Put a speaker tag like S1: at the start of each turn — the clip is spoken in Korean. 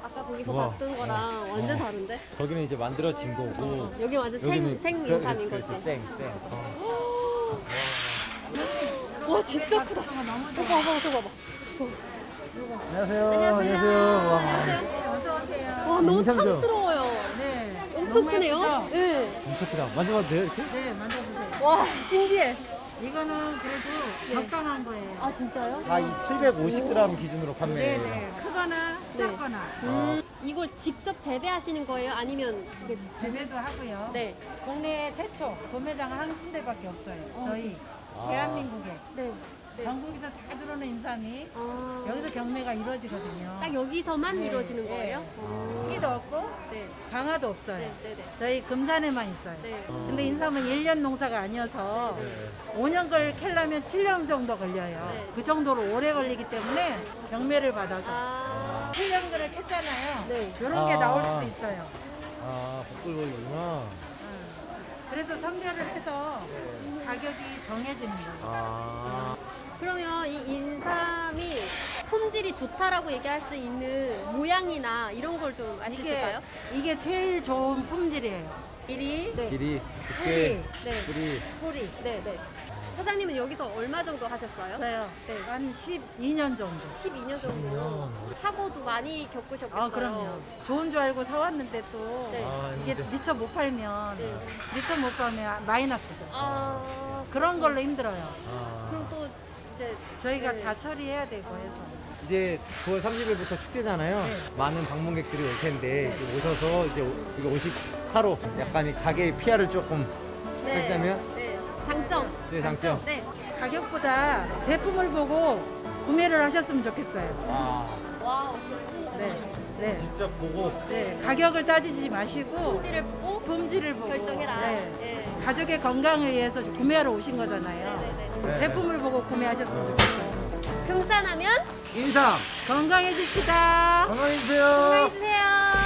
S1: 아까 거기서
S2: 우와.
S1: 봤던 거랑 완전 다른데?
S2: 거기는 이제 만들어진 거고
S1: 여기 완전 생 인삼인 거지?
S2: 생.
S1: 와 진짜 크다. 저거 봐봐, 저거 봐봐.
S2: 안녕하세요.
S1: 안녕하세요.
S2: 와.
S1: 안녕하세요.
S3: 어서오세요.
S1: 와 너무
S2: 인삼 좀.
S1: 탐스러워요.
S3: 네.
S1: 엄청
S3: 너무
S1: 크네요.
S3: 예쁘죠?
S1: 네.
S2: 엄청 크다. 만져봐도 돼요, 이렇게?
S3: 네, 만져보세요.
S1: 와 신기해.
S3: 이거는 그래도 적당한 거예요.
S1: 아 진짜요?
S2: 다 이 750g 기준으로 판매해요.
S3: 네네. 크거나 작거나
S1: 이걸 직접 재배하시는 거예요? 아니면 이게
S3: 재배도 하고요.
S1: 네.
S3: 국내 최초 도매장은 한 군데밖에 없어요. 저희
S2: 아.
S3: 대한민국에
S1: 네. 네.
S3: 전국에서 다 들어오는 인삼이
S1: 아,
S3: 여기서 경매가 이루어지거든요.
S1: 딱 여기서만
S3: 네,
S1: 이루어지는
S3: 네.
S1: 거예요?
S3: 크기도 없고
S1: 네.
S3: 강화도 없어요.
S1: 네, 네, 네.
S3: 저희 금산에만 있어요.
S1: 네.
S3: 근데 인삼은 1년 농사가 아니어서 5년 걸 캐려면 7년 정도 걸려요.
S1: 네.
S3: 그 정도로 오래 걸리기 때문에 경매를 받아서
S1: 아,
S3: 7년 걸을 캤잖아요.
S1: 네.
S3: 이런 게
S2: 아.
S3: 나올 수도 있어요.
S2: 아, 복불복이구나.
S3: 그래서 선별을 해서 가격이 정해지는 거예요.
S2: 아.
S1: 그러면 이 인삼이 품질이 좋다라고 얘기할 수 있는 모양이나 이런 걸 좀 알 수 있을까요?
S3: 이게 제일 좋은 품질이에요. 길이,
S1: 네.
S2: 길이, 두께,
S1: 네.
S2: 뿌리.
S3: 뿌리.
S1: 네, 네. 사장님은 여기서 얼마 정도 하셨어요?
S3: 저요.
S1: 네.
S3: 한 12년 정도.
S1: 12년 정도. 사고도 많이 겪으셨겠어요?
S3: 아, 그럼요. 좋은 줄 알고 사왔는데 또
S1: 네.
S2: 아,
S3: 이게
S2: 근데-
S3: 미처 못 팔면
S1: 네.
S3: 미처 못 팔면 마이너스죠.
S1: 아,
S3: 그런 걸로 힘들어요.
S2: 아.
S1: 그럼 또 이제
S3: 저희가
S1: 네.
S3: 다 처리해야 되고 해서.
S2: 이제 9월 30일부터 축제잖아요.
S3: 네.
S2: 많은 방문객들이 올 텐데 이제 오셔서 이제 이거 58호 약간 이 가게의 PR을 조금 하시자면
S1: 네. 장점.
S2: 네, 장점.
S1: 네.
S3: 가격보다 제품을 보고 구매를 하셨으면 좋겠어요.
S2: 아,
S1: 와우.
S3: 네. 네.
S2: 직접 보고
S3: 네. 가격을 따지지 마시고
S1: 품질을 보고
S3: 품질을 보고
S1: 결정해라.
S3: 네.
S1: 네.
S3: 가족의 건강을 위해서 구매하러 오신 거잖아요.
S1: 네네네.
S2: 네.
S3: 제품을 보고 구매하셨으면 좋겠어요.
S1: 금산하면
S2: 인삼
S3: 건강해집시다.
S2: 건강해주세요.
S1: 건강해주세요.